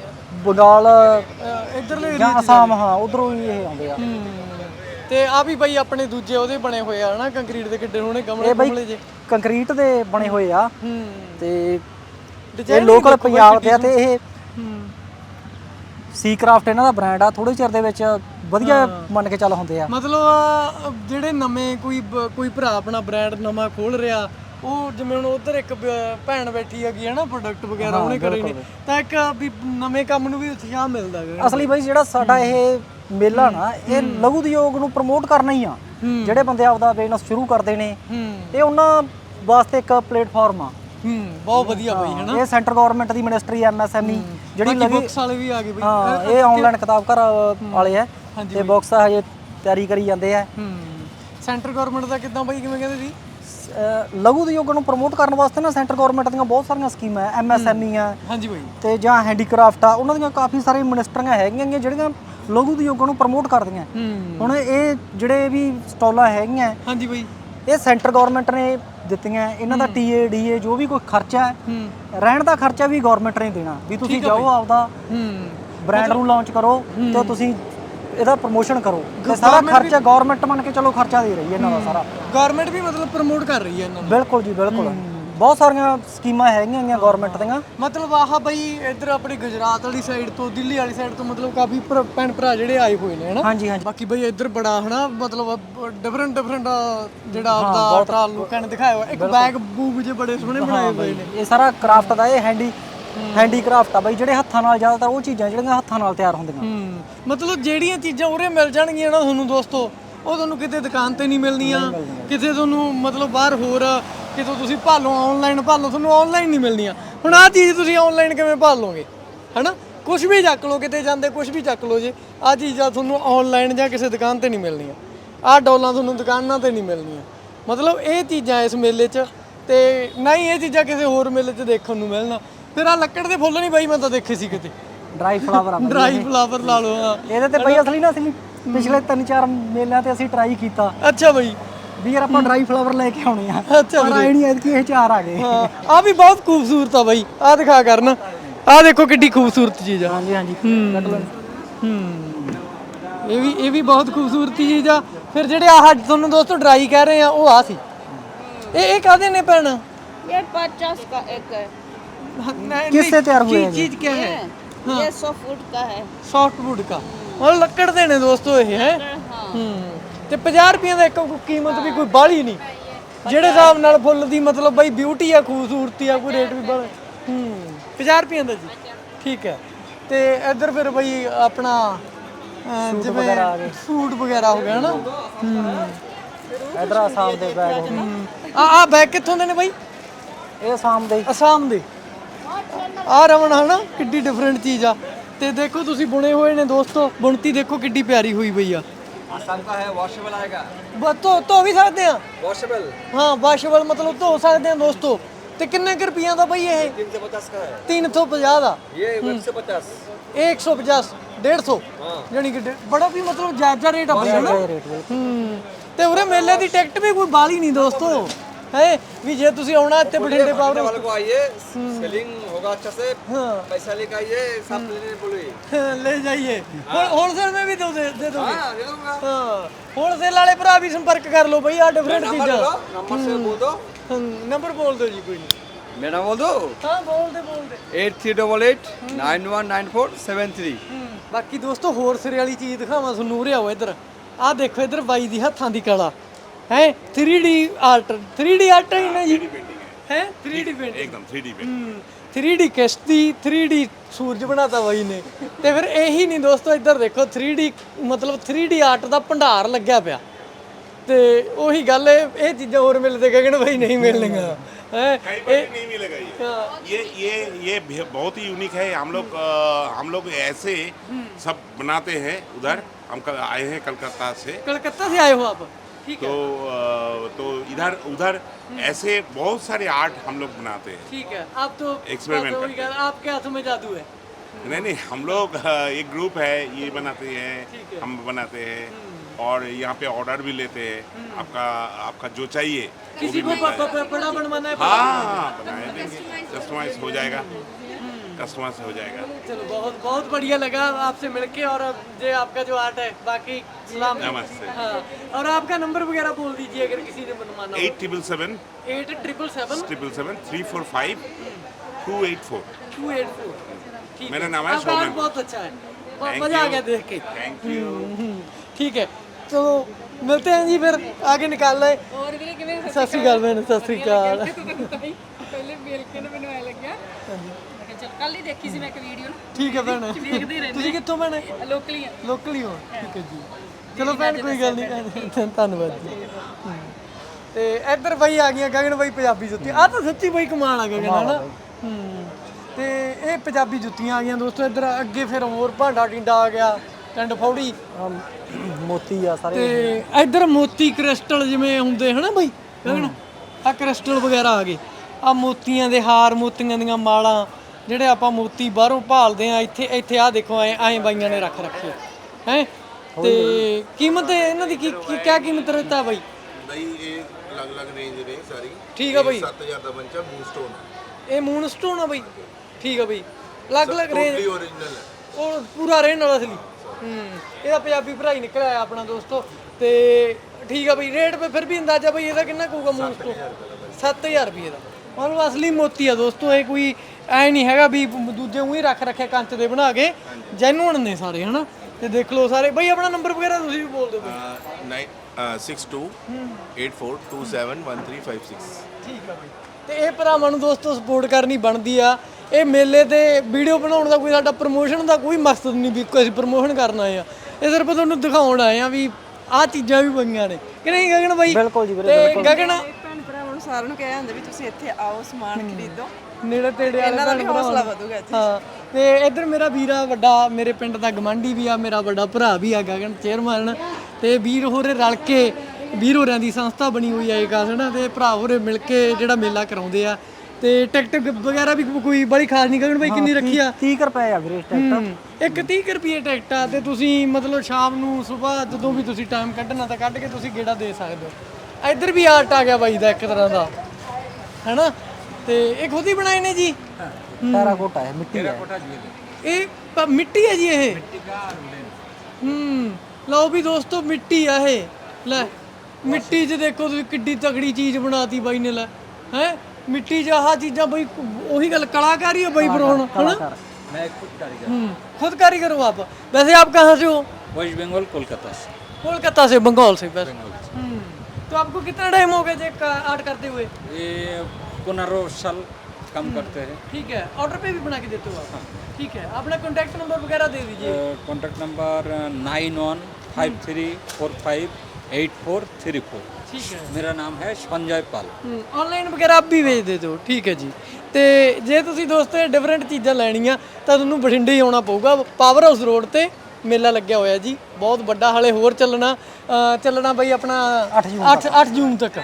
Speaker 1: ਇੱਧਰਲੇ
Speaker 4: ਜਾਂ ਅਸਾਮ ਹਾਂ ਉਧਰੋਂ ਹੀ ਇਹ ਆਉਂਦੇ ਆ
Speaker 1: ਤੇ ਆ ਵੀ ਬਾਈ ਆਪਣੇ ਦੂਜੇ ਉਹਦੇ ਬਣੇ ਹੋਏ ਆ ਹਨਾ ਕੰਕਰੀਟ ਦੇ ਕਿੱਡੇ ਹੋਣੇ ਗਮਲੇ ਜੇ
Speaker 4: ਕੰਕਰੀਟ ਦੇ ਬਣੇ ਹੋਏ ਆ ਤੇ ਇਹ ਲੋਕਲ ਪੰਜਾਬ ਦੇ ਆ ਤੇ ਇਹ ਸੀ ਕਰਾਫਟ ਇਹਨਾਂ ਦਾ ਬ੍ਰਾਂਡ ਆ ਥੋੜੇ ਚਿਰ ਦੇ ਵਿੱਚ ਵਧੀਆ ਮੰਨ ਕੇ ਚੱਲ ਹੁੰਦੇ ਆ
Speaker 1: ਮਤਲਬ ਜਿਹੜੇ ਨਵੇਂ ਕੋਈ ਭਰਾ ਆਪਣਾ ਬ੍ਰਾਂਡ ਨਵਾਂ ਖੋਲ ਰਿਹਾ ਉਹ ਜਿਵੇਂ ਹੁਣ ਉਧਰ ਇੱਕ ਭੈਣ ਬੈਠੀ ਹੈਗੀ ਹੈ ਨਾ ਪ੍ਰੋਡਕਟ ਵਗੈਰਾ ਉਹਨੇ ਕਰੇ ਨੇ ਤਾਂ ਇੱਕ ਵੀ ਨਵੇਂ ਕੰਮ ਨੂੰ ਵੀ ਉਤਸ਼ਾਹ ਮਿਲਦਾ ਹੈ
Speaker 4: ਅਸਲੀ ਬਾਈ ਜਿਹੜਾ ਸਾਡਾ ਇਹ ਮੇਲਾ ਨਾ ਇਹ ਲਘੂ ਉਦਯੋਗ ਨੂੰ ਪ੍ਰਮੋਟ ਕਰਨਾ ਹੀ ਆ ਜਿਹੜੇ ਬੰਦੇ ਆਪਦਾ ਬਿਜ਼ਨਸ ਸ਼ੁਰੂ ਕਰਦੇ ਨੇ ਇਹ ਉਹਨਾਂ ਵਾਸਤੇ ਇੱਕ ਪਲੇਟਫਾਰਮ ਆ
Speaker 1: ਬਹੁਤ ਵਧੀਆ ਬਾਈ ਹੈ ਨਾ
Speaker 4: ਇਹ ਸੈਂਟਰ ਗਵਰਨਮੈਂਟ ਦੀ ਮਿਨਿਸਟਰੀ MSME ਜਿਹੜੀ ਲੱਗੀ
Speaker 1: ਬੁੱਕਸ ਵਾਲੇ ਵੀ ਆ ਗਏ ਬਾਈ
Speaker 4: ਹਾਂ ਇਹ ਆਨਲਾਈਨ ਕਿਤਾਬ ਘਰ ਵਾਲੇ ਆ ਤੇ ਬਾਕਸ ਹਜੇ ਤਿਆਰੀ ਕਰੀ ਜਾਂਦੇ ਆ
Speaker 1: ਸੈਂਟਰ ਗਵਰਨਮੈਂਟ ਦਾ ਕਿਦਾਂ ਬਾਈ ਕਿਵੇਂ ਕਹਿੰਦੇ ਸੀ
Speaker 4: ਲਘੂ ਉਦਯੋਗ ਨੂੰ ਪ੍ਰਮੋਟ ਕਰਨ ਵਾਸਤੇ ਨਾ ਸੈਂਟਰ ਗਵਰਨਮੈਂਟ ਦੀਆਂ ਬਹੁਤ ਸਾਰੀਆਂ ਸਕੀਮਾਂ MSME ਆ
Speaker 1: ਹਾਂਜੀ ਬਾਈ ਤੇ
Speaker 4: ਜਾਂ ਹੈਂਡੀਕ੍ਰਾਫਟ ਆ ਉਹਨਾਂ ਦੀਆਂ ਕਾਫੀ ਸਾਰੇ ਮਿਨਿਸਟਰੀਆਂ ਹੈਗੀਆਂ ਜਿਹੜੀਆਂ ਲਘੂ ਉਦਯੋਗਾਂ ਨੂੰ ਪ੍ਰਮੋਟ ਕਰਦੀਆਂ ਹੁਣ ਇਹ ਜਿਹੜੇ ਵੀ ਸਟਾਲਾਂ ਹੈਗੀਆਂ
Speaker 1: ਹਾਂਜੀ ਬਾਈ
Speaker 4: ਇਹ ਸੈਂਟਰ ਗਵਰਨਮੈਂਟ ਨੇ ਦਿੱਤੀਆਂ ਇਹਨਾਂ ਦਾ TA DA ਜੋ ਵੀ ਕੋਈ ਖਰਚਾ ਹੈ ਰਹਿਣ ਦਾ ਖਰਚਾ ਵੀ ਗਵਰਨਮੈਂਟ ਨੇ ਦੇਣਾ ਵੀ ਤੁਸੀਂ ਜਾਓ ਆਪਦਾ ਬ੍ਰਾਂਡ ਨੂੰ ਲਾਂਚ ਕਰੋ ਤੇ ਤੁਸੀਂ ਇਹਦਾ ਪ੍ਰੋਮੋਸ਼ਨ ਕਰੋ ਤੇ ਸਾਰਾ ਖਰਚਾ ਗਵਰਨਮੈਂਟ ਮੰਨ ਕੇ ਚਲੋ ਖਰਚਾ ਦੇ ਰਹੀ ਹੈ ਇਹਨਾਂ ਦਾ ਸਾਰਾ
Speaker 1: ਗਵਰਨਮੈਂਟ ਵੀ ਮਤਲਬ ਪ੍ਰਮੋਟ ਕਰ ਰਹੀ ਹੈ ਇਹਨਾਂ ਨੂੰ
Speaker 4: ਬਿਲਕੁਲ ਜੀ ਬਿਲਕੁਲ ਬਹੁਤ ਸਾਰੀਆਂ ਸਕੀਮਾਂ ਹੈਗੀਆਂ ਗਵਰਨਮੈਂਟ ਦੀਆਂ।
Speaker 1: ਮਤਲਬ ਆਹ ਬਈ ਇੱਧਰ ਆਪਣੀ ਗੁਜਰਾਤ ਵਾਲੀ ਸਾਈਡ ਤੋਂ ਦਿੱਲੀ ਵਾਲੀ ਸਾਈਡ ਤੋਂ ਮਤਲਬ ਕਾਫੀ ਭੈਣ ਭਰਾ ਜਿਹੜੇ ਆਏ ਹੋਏ ਨੇ ਹਨਾ।
Speaker 4: ਹਾਂਜੀ ਹਾਂਜੀ
Speaker 1: ਬਾਕੀ ਬਈ ਇੱਧਰ ਬੜਾ ਹਨਾ ਮਤਲਬ ਡਿਫਰੈਂਟ ਜਿਹੜਾ ਆਪਦਾ ਟਰਾਲ ਲੋਕਾਂ ਨੇ ਦਿਖਾਇਆ ਹੋਇਆ। ਇੱਕ ਬੈਗ ਬੂਗ ਜੇ ਬੜੇ ਸੋਹਣੇ ਬਣਾਏ ਹੋਏ ਨੇ।
Speaker 4: ਇਹ ਸਾਰਾ ਕਰਾਫਟ ਦਾ, ਇਹ ਹੈਂਡੀਕ੍ਰਾਫਟ ਆ ਬਈ, ਜਿਹੜੇ ਹੱਥਾਂ ਨਾਲ ਜ਼ਿਆਦਾਤਰ ਉਹ ਚੀਜ਼ਾਂ ਜਿਹੜੀਆਂ ਹੱਥਾਂ ਨਾਲ ਤਿਆਰ ਹੁੰਦੀਆਂ।
Speaker 1: ਮਤਲਬ ਜਿਹੜੀਆਂ ਚੀਜ਼ਾਂ ਉਰੇ ਮਿਲ ਜਾਣਗੀਆਂ ਨਾ ਤੁਹਾਨੂੰ ਦੋਸਤੋ, ਉਹ ਤੁਹਾਨੂੰ ਕਿਤੇ ਦੁਕਾਨ ਤੇ ਨਹੀਂ ਮਿਲਣੀਆਂ, ਕਿਤੇ ਤੁਹਾਨੂੰ ਮਤਲਬ ਬਾਹਰ ਹੋਰ ਕਿਤੋਂ ਤੁਸੀਂ ਭਾਲੋ ਆਨਲਾਈਨ ਭਾਲੋ, ਤੁਹਾਨੂੰ ਆਨਲਾਈਨ ਨਹੀਂ ਮਿਲਣੀਆਂ। ਹੁਣ ਆਹ ਚੀਜ਼ ਤੁਸੀਂ ਆਨਲਾਈਨ ਕਿਵੇਂ ਭਾਲੋਗੇ ਹਨਾ? ਕੁਝ ਵੀ ਚੱਕ ਲਓ, ਕਿਤੇ ਜਾਂਦੇ ਕੁਝ ਵੀ ਚੱਕ ਲਓ ਜੇ, ਆਹ ਚੀਜ਼ਾਂ ਤੁਹਾਨੂੰ ਆਨਲਾਈਨ ਜਾਂ ਕਿਸੇ ਦੁਕਾਨ ਤੇ ਨਹੀਂ ਮਿਲਣੀਆਂ। ਆਹ ਡੋਲਾਂ ਤੁਹਾਨੂੰ ਦੁਕਾਨਾਂ ਤੇ ਨਹੀਂ ਮਿਲਣੀਆਂ। ਮਤਲਬ ਇਹ ਚੀਜ਼ਾਂ ਇਸ ਮੇਲੇ 'ਚ, ਤੇ ਨਾ ਹੀ ਇਹ ਚੀਜ਼ਾਂ ਕਿਸੇ ਹੋਰ ਮੇਲੇ 'ਚ ਦੇਖਣ ਨੂੰ ਮਿਲਣਾ। ਫਿਰ ਆਹ ਲੱਕੜ ਦੇ ਫੁੱਲ ਨਹੀਂ ਬਾਈ ਮੈਂ ਤਾਂ ਦੇਖੇ ਸੀ ਕਿਤੇ,
Speaker 4: ਡਰਾਈ ਫਲਾਵਰ ਆ ਬਈ।
Speaker 1: ਡਰਾਈ ਫਲਾਵਰ ਲਾ ਲਓ। ਹਾਂ
Speaker 4: ਇਹਦੇ ਤੇ ਬਈ ਅਸਲੀ ਨਾ ਅਸੀਂ ਪਿਛਲੇ 3-4 ਮੇਲਿਆਂ ਤੇ ਅਸੀਂ ਟਰਾਈ ਕੀਤਾ
Speaker 1: ਅੱਛਾ ਬਈ,
Speaker 4: ਵੀ ਯਾਰ ਆਪਾਂ ਡਰਾਈ ਫਲਾਵਰ ਲੈ ਕੇ ਆਉਣੇ ਆ,
Speaker 1: ਅੱਛਾ
Speaker 4: ਪਰ ਆਏ ਨਹੀਂ ਐਤਕੀ ਇਹ 4 ਆ ਗਏ।
Speaker 1: ਹਾਂ ਆ ਵੀ ਬਹੁਤ ਖੂਬਸੂਰਤ ਆ ਬਾਈ, ਆ ਦਿਖਾ ਕਰਨ, ਆ ਦੇਖੋ ਕਿੱਡੀ ਖੂਬਸੂਰਤ ਚੀਜ਼ ਆ।
Speaker 4: ਹਾਂਜੀ ਹਾਂਜੀ ਕੱਟ ਲਓ।
Speaker 1: ਇਹ ਵੀ ਬਹੁਤ ਖੂਬਸੂਰਤ ਚੀਜ਼ ਆ। ਫਿਰ ਜਿਹੜੇ ਆਹ ਤੁਹਾਨੂੰ ਦੋਸਤੋ ਡਰਾਈ ਕਹਿ ਰਹੇ ਆ, ਉਹ ਆ ਸੀ। ਇਹ ਕਾਹਦੇ ਨੇ ਭੈਣ?
Speaker 6: ये 50 का एक है,
Speaker 4: किससे तैयार हुए हैं ये?
Speaker 1: चीज क्या है?
Speaker 6: ये 100 फुट का है।
Speaker 1: ਸੌਫਟ ਵੁੱਡ ਦਾ, ਮਤਲਬ ਲੱਕੜ ਦੇ ਨੇ ਦੋਸਤੋ ਇਹ ਹੈ। ਤੇ 50 ਰੁਪਏ ਦਾ ਇੱਕ ਕੀਮਤ ਵੀ ਕੋਈ ਬਾਹਲੀ ਨਹੀਂ, ਜਿਹੜੇ ਹਿਸਾਬ ਨਾਲ ਫੁੱਲ ਦੀ ਮਤਲਬ ਬਾਈ ਬਿਊਟੀ ਆ, ਖੂਬਸੂਰਤੀ ਆ, ਕੋਈ ਰੇਟ ਵੀ ਬੜਾ 50 ਰੁਪਏ ਦਾ ਜੀ। ਠੀਕ ਹੈ। ਤੇ ਇੱਧਰ ਫਿਰ ਬਈ ਆਪਣਾ ਜਿਵੇਂ ਸੂਟ ਵਗੈਰਾ ਹੋ ਗਿਆ ਹਨਾ।
Speaker 4: ਇਧਰ ਆਸਾਮ ਦੇ ਬੈਗ ਹੋ ਗਏ।
Speaker 1: ਆ ਬੈਗ ਕਿੱਥੋਂ ਦੇ ਨੇ ਬਾਈ?
Speaker 4: ਇਹ ਆਸਾਮ ਦੇ।
Speaker 1: ਅਸਾਮ ਦੇ। ਆ ਰਵਣ ਹਨਾ, ਕਿੱਡੀ ਡਿਫਰੈਂਟ ਚੀਜ਼ ਆ। ਤੇ ਦੇਖੋ ਤੁਸੀਂ ਬੁਣੇ ਹੋਏ ਨੇ ਦੋਸਤੋ, ਬੁਣਤੀ ਦੇਖੋ ਕਿੱਡੀ ਪਿਆਰੀ ਹੋਈ ਪਈ ਆ।
Speaker 2: आसाम का है, वॉशेबल आएगा।
Speaker 1: ਧੋ ਵੀ ਸਕਦੇ ਆ।
Speaker 2: वॉशेबल
Speaker 1: ਹਾਂ ਵਾਸ਼ੇਬਲ ਮਤਲਬ ਧੋ ਸਕਦੇ ਆ ਦੋਸਤੋ। ਤੇ ਕਿੰਨੇ ਕੁ ਰੁਪਈਆਂ ਦਾ ਬਈ ਇਹ?
Speaker 2: 350 का है।
Speaker 1: 350 ਦਾ।
Speaker 2: ये 150।
Speaker 1: ਇਹ 150 150 ਯਾਨੀ ਕਿ ਬੜਾ ਵੀ ਮਤਲਬ ਜਾਇਜ਼ਾ ਰੇਟ ਆ ਬਈ ਹਨਾ। ਤੇ ਉਰੇ ਮੇਲੇ ਦੀ ਟਿਕਟ ਵੀ ਕੋਈ ਬਾਲੀ ਨਹੀਂ ਦੋਸਤੋ ਹੈ ਵੀ ਜੇ ਤੁਸੀਂ ਆਉਣਾ ਇੱਥੇ ਬਠਿੰਡੇ ਪਾਵਰ
Speaker 2: वाले को आइए, सेलिंग होगा अच्छा से। पैसा लेके आइए, सब लेने बोलिए।
Speaker 1: ਲੈ ਜਾਈਏ। ਹੋਲਸੇਲ में भी दे दोगे?
Speaker 2: हाँ, दे दूंगा।
Speaker 1: ਹਾਂ ਹੋਲਸੇਲ ਵਾਲੇ ਭਰਾ ਵੀ ਸੰਪਰਕ ਕਰ ਲਓ ਬਈ, ਆ ਡਿਫਰੈਂਟ
Speaker 2: नंबर ले लो,
Speaker 1: ਚੀਜ਼ਾਂ।
Speaker 2: नंबर से बोल दो।
Speaker 1: ਨੰਬਰ ਬੋਲ ਦਿਓ ਜੀ ਕੋਈ ਨਹੀਂ।
Speaker 2: मेरा बोल दो।
Speaker 1: ਹਾਂ ਬੋਲਦੇ
Speaker 2: 8388 919473।
Speaker 1: ਬਾਕੀ ਦੋਸਤੋ ਹੋਰ ਸਿਰੇ ਵਾਲੀ ਚੀਜ਼ ਦਿਖਾਵਾਂ ਤੁਹਾਨੂੰ। ਉਰੇ ਆਓ ਇੱਧਰ, ਆਹ ਦੇਖੋ ਇੱਧਰ ਬਾਈ ਦੀ ਹੱਥਾਂ ਦੀ ਕਲਾ ਹੈ। 3D ਆਰਟ, 3D ਆਰਟ ਹੀ ਨਾ ਜੀ ਹੈ। 3D ਪੇਂਟ
Speaker 7: एकदम 3D पे।
Speaker 1: 3D ਕਿਸ਼ਤੀ, 3D ਸੂਰਜ ਬਣਾਤਾ ਬਾਈ ਨੇ। ਤੇ ਫਿਰ ਇਹੀ ਨਹੀਂ ਦੋਸਤੋ, ਇੱਧਰ ਦੇਖੋ 3D ਮਤਲਬ 3D ਆਰਟ ਦਾ ਭੰਡਾਰ ਲੱਗਿਆ ਪਿਆ। ਤੇ ਉਹੀ ਗੱਲ ਇਹ ਚੀਜ਼ਾਂ ਹੋਰ ਮਿਲਦੇ ਗਗਨ ਭਾਈ ਨਹੀਂ ਮਿਲਣੀਆਂ ਹੈ।
Speaker 7: कहीं पर भी नहीं मिलेगा ये बहुत ही यूनिक है। हम लोग ऐसे सब बनाते हैं। उधर हम आए हैं कलकत्ता से,
Speaker 1: कलकत्ता से आए हो आप? ठीक है।
Speaker 7: तो इधर उधर ऐसे बहुत सारे आर्ट हम लोग बनाते हैं।
Speaker 1: ठीक है। आप तो
Speaker 7: Experiment
Speaker 1: बात हो गई,
Speaker 7: करते हैं।
Speaker 1: आपके हाथों में जादू है।
Speaker 7: नहीं हम लोग एक ग्रुप है, ये बनाते हैं, हम बनाते हैं और यहाँ पे ऑर्डर भी लेते हैं। आपका जो चाहिए
Speaker 1: किसी को बड़ा बनवाना है?
Speaker 7: हाँ बनाए देंगे, कस्टमाइज हो जाएगा, कस्टमाइज हो जाएगा।
Speaker 1: चलो बहुत बहुत बढ़िया लगा आपसे मिलके। और ये आपका जो आर्ट है बाकी सलाम।
Speaker 7: नमस्ते।
Speaker 1: हाँ और आपका नंबर वगैरह बोल दीजिए अगर किसी ने बनवाना हो।
Speaker 7: 8777
Speaker 1: 8777
Speaker 7: 345 284।
Speaker 1: 284। ठीक
Speaker 7: मेरा
Speaker 1: है।
Speaker 7: नाम है
Speaker 1: आपका
Speaker 7: शोभन।
Speaker 1: आर्ट बहुत अच्छा है,
Speaker 7: Thank
Speaker 1: मजा आ
Speaker 7: you।
Speaker 1: गया देख के।
Speaker 7: Thank you.
Speaker 1: ठीक है तो मिलते हैं जी, फिर आगे निकाल रहे।
Speaker 6: और भी किਵੇਂ
Speaker 1: ਸਤਿ ਸ਼੍ਰੀ ਅਕਾਲ ਭੈਣ, ਸਤਿ ਸ਼੍ਰੀ ਅਕਾਲ।
Speaker 6: ਪਹਿਲੇ ਮਿਲ ਕੇ ਨਾ ਮੈਨੂੰ ਐ ਲੱਗਿਆ ਮੈਂ ਕਿਹਾ ਚਲ ਕੱਲ ਹੀ ਦੇਖੀ ਸੀ ਮੈਂ ਇੱਕ ਵੀਡੀਓ ਨਾ,
Speaker 1: ਠੀਕ ਹੈ ਭੈਣ।
Speaker 6: ਦੇਖਦੇ ਰਹਿੰਦੇ
Speaker 1: ਤੁਸੀਂ ਕਿੱਥੋਂ ਭੈਣ?
Speaker 6: ਲੋਕਲੀ
Speaker 1: ਲੋਕਲ ਹੀ ਹੋ? ਠੀਕ ਹੈ ਜੀ। ਚਲੋ ਭੈਣ ਕੋਈ ਗੱਲ ਨਹੀਂ ਭੈਣ, ਧੰਨਵਾਦ ਜੀ। ਤੇ ਇੱਧਰ ਬਾਈ ਆ ਗਈਆਂ ਗਗਨ ਬਾਈ ਪੰਜਾਬੀ ਜੁੱਤੀਆਂ। ਆ ਤਾਂ ਸੱਚੀ ਬਾਈ ਕਮਾਲ ਆ ਗਗਨ ਹਨਾ। ਤੇ ਇਹ ਪੰਜਾਬੀ ਜੁੱਤੀਆਂ ਆ ਗਈਆਂ ਦੋਸਤੋ। ਇੱਧਰ ਅੱਗੇ ਫਿਰ ਹੋਰ ਭਾਂਡਾ ਟਿੰਡਾ ਆ ਗਿਆ, ਟੰਡ ਫੌੜੀ
Speaker 4: ਮੋਤੀ ਆ ਸਾਰੇ।
Speaker 1: ਤੇ ਇੱਧਰ ਮੋਤੀ ਕ੍ਰਿਸਟਲ ਜਿਵੇਂ ਹੁੰਦੇ ਹਨਾ ਬਾਈ ਗਗਨ, ਆ ਕ੍ਰਿਸਟਲ ਵਗੈਰਾ ਆ ਗਏ। ਆ ਮੋਤੀਆਂ ਦੇ ਹਾਰ, ਮੋਤੀਆਂ ਦੀਆਂ ਮਾਲਾਂ, ਜਿਹੜੇ ਆਪਾਂ ਮੋਤੀ ਬਾਹਰੋਂ ਭਾਲਦੇ ਆ, ਇੱਥੇ ਆ ਦੇਖੋ ਐ ਬਾਈਆਂ ਨੇ ਰੱਖ ਰੱਖੇ ਹੈ। ਤੇ ਕੀਮਤ ਇਹਨਾਂ ਦੀ ਕੀ ਕੀਮਤ ਰਹਿਤਾ ਹੈ ਬਾਈ?
Speaker 8: ਨਹੀਂ ਇਹ ਅਲੱਗ-ਅਲੱਗ ਰੇਂਜ ਨੇ ਸਾਰੀ।
Speaker 1: ਠੀਕ ਆ ਬਾਈ।
Speaker 8: 7000 ਦਾ ਬੰਚਾ ਮੂਨ ਸਟੋਨ
Speaker 1: ਇਹ ਮੂਨ ਸਟੋਨ ਆ ਬਾਈ? ਠੀਕ ਆ ਬਾਈ। ਅਲੱਗ-ਅਲੱਗ ਰੇਂਜ,
Speaker 8: ਟੋਟਲੀ ਓਰੀਜਨਲ ਹੈ।
Speaker 1: ਉਹ ਪੂਰਾ ਰਹਿਣ ਵਾਲਾ ਅਸਲੀ। ਇਹਦਾ ਪੰਜਾਬੀ ਭਰਾ ਹੀ ਨਿਕਲਿਆ ਆਇਆ ਆਪਣਾ ਦੋਸਤੋ। ਤੇ ਠੀਕ ਆ ਬਾਈ। ਰੇਟ ਫਿਰ ਵੀ ਅੰਦਾਜ਼ਾ ਬਾਈ ਇਹਦਾ ਕਿੰਨਾ ਕੂਗਾ ਮੂਨ ਸਟੋਨ? 7000 ਰੁਪਏ ਦਾ। ਮਤਲਬ ਅਸਲੀ ਮੋਤੀ ਆ ਦੋਸਤੋ ਇਹ, ਕੋਈ ਐ ਨਹੀਂ ਹੈਗਾ ਵੀ ਦੂਜੇ ਉਹੀ ਰੱਖ ਰੱਖੇ ਕੰਚ ਦੇ ਬਣਾ ਕੇ, ਜੈਨੂਅਨ ਨੇ ਸਾਰੇ ਹਨਾ। ਤੇ ਦੇਖ ਲਓ ਸਾਰੇ ਬਈ, ਆਪਣਾ ਨੰਬਰ ਵਗੈਰਾ ਤੁਸੀਂ ਵੀ ਬੋਲ ਦਿਓ ਬਈ।
Speaker 8: 62271356
Speaker 1: ਠੀਕ ਆ ਬਈ। ਤੇ ਇਹ ਭਰਾਵਾਂ ਨੂੰ ਦੋਸਤੋ ਸਪੋਰਟ ਕਰਨੀ ਬਣਦੀ ਆ। ਇਹ ਮੇਲੇ ਤੇ ਵੀਡੀਓ ਬਣਾਉਣ ਦਾ ਕੋਈ ਸਾਡਾ ਪ੍ਰਮੋਸ਼ਨ ਦਾ ਕੋਈ ਮਕਸਦ ਨਹੀਂ ਵੀ ਕੋਈ ਅਸੀਂ ਪ੍ਰਮੋਸ਼ਨ ਕਰਨ ਆਏ ਆ, ਇਹ ਸਿਰਫ ਤੁਹਾਨੂੰ ਦਿਖਾਉਣ ਆਏ ਆ ਵੀ ਆਹ ਚੀਜ਼ਾਂ ਵੀ ਪਈਆਂ ਨੇ ਕਿ ਨਹੀਂ ਗਗਨ ਬਾਈ?
Speaker 4: ਬਿਲਕੁਲ ਜੀ ਵੀਰੇ,
Speaker 1: ਤੇ ਗਗਨ
Speaker 5: ਭੈਣ ਭਰਾਵਾਂ ਨੂੰ ਸਾਰਿਆਂ ਨੂੰ ਕਿਹਾ ਜਾਂਦਾ ਵੀ ਤੁਸੀਂ ਇੱਥੇ ਆਓ, ਸਮਾਨ ਖਰੀਦੋ,
Speaker 1: ਨੇੜੇ ਤੇੜੇ ਵਾਲੇ
Speaker 5: ਇਹਨਾਂ ਦਾ ਵੀ
Speaker 1: ਭੈਣ ਭਰਾ
Speaker 5: ਹੌਸਲਾ ਵਧੂਗਾ ਇੱਥੇ।
Speaker 1: ਹਾਂ। ਤੇ ਇੱਧਰ ਮੇਰਾ ਵੀਰਾ ਵੱਡਾ, ਮੇਰੇ ਪਿੰਡ ਦਾ ਗਵਾਂਢੀ ਵੀ ਆ, ਮੇਰਾ ਵੱਡਾ ਭਰਾ ਵੀ ਆ ਗਗਨ ਚੇਅਰਮੈਨ, ਤੇ ਵੀਰ ਹੋਰੇ ਰਲ ਕੇ, ਵੀਰ ਹੋਰਿਆਂ ਦੀ ਸੰਸਥਾ ਬਣੀ ਹੋਈ ਆ ਇੱਕ ਹਨਾ, ਤੇ ਭਰਾ ਹੋਰੇ ਮਿਲ ਕੇ ਜਿਹੜਾ ਮੇਲਾ ਕਰਾਉਂਦੇ ਆ। ਤੇ ਟਿਕਟ ਵਗੈਰਾ ਵੀ ਕੋਈ ਬੜੀ ਖਾਸ ਨਹੀਂ। ਗਗਨ ਬਾਈ ਕਿੰਨੀ ਰੱਖੀ ਆ?
Speaker 4: 30 ਰੁਪਏ ਆ ਵੀਰੇ ਟਿਕਟ।
Speaker 1: ਇੱਕ 30 ਰੁਪਏ ਟਿਕਟ ਆ, ਤੇ ਤੁਸੀਂ ਮਤਲਬ ਸ਼ਾਮ ਨੂੰ ਸਵੇਰ ਜਦੋਂ ਵੀ ਤੁਸੀਂ ਟਾਈਮ ਕੱਢਣਾ ਤਾਂ ਕੱਢ ਕੇ ਤੁਸੀਂ ਗੇੜਾ ਦੇ ਸਕਦੇ ਹੋ। ਇੱਧਰ ਵੀ ਆਰਟ ਆ ਗਿਆ ਬਾਈ ਦਾ ਇੱਕ ਤਰ੍ਹਾਂ ਦਾ ਹੈਨਾ, ਤੇ ਇਹ ਖੁਦ ਹੀ ਬਣਾਏ ਨੇ ਜੀ।
Speaker 4: ਟੈਰਾਕੋਟਾ ਹੈ, ਮਿੱਟੀ ਹੈ।
Speaker 1: ਇਹ ਮਿੱਟੀ ਹੈ ਜੀ ਇਹ? ਲਓ ਵੀ ਦੋਸਤੋ ਮਿੱਟੀ ਆ ਇਹ। ਲੈ ਮਿੱਟੀ 'ਚ ਦੇਖੋ ਤੁਸੀਂ ਕਿੱਡੀ ਤਗੜੀ ਚੀਜ਼ ਬਣਾਤੀ ਬਾਈ ਨੇ। ਲੈ ਹੈ ਮਿੱਟੀ 'ਚ ਆਹ ਚੀਜ਼ਾਂ ਬਈ, ਉਹੀ ਗੱਲ ਕਲਾਕਾਰੀ ਹੈ ਬਾਈ ਫਿਰ ਹੁਣ ਹਨਾ।
Speaker 9: मैं खुद कारीगर
Speaker 1: खुद कारीगर हो आप? वैसे आप कहाँ से हो?
Speaker 9: वेस्ट बंगाल कोलकाता से।
Speaker 1: कोलकाता से, बंगाल से वैसे। तो आपको कितना टाइम हो गया जे आर्ट करते हुए?
Speaker 9: ये 15 साल काम करते हैं।
Speaker 1: ठीक है, ऑर्डर पे भी बना के देते हो आप? ठीक है, अपना कॉन्टैक्ट नंबर वगैरह दे दीजिए।
Speaker 9: Contact number 9153458434।
Speaker 1: ठीक है,
Speaker 9: मेरा नाम है संजय पाल।
Speaker 1: ऑनलाइन वगैरह आप भी भेज देते हो? ठीक है जी। ਤੇ ਜੇ ਤੁਸੀਂ ਦੋਸਤੋ ਡਿਫਰੈਂਟ ਚੀਜ਼ਾਂ ਲੈਣੀਆਂ ਤਾਂ ਤੁਹਾਨੂੰ ਬਠਿੰਡੇ ਹੀ ਆਉਣਾ ਪਊਗਾ। ਪਾਵਰ ਹਾਊਸ ਰੋਡ ਤੇ ਮੇਲਾ ਲੱਗਿਆ ਹੋਇਆ ਜੀ, ਬਹੁਤ ਵੱਡਾ। ਹਾਲੇ ਹੋਰ ਚੱਲਣਾ ਬਈ ਆਪਣਾ 8 ਜੂਨ ਤੱਕ।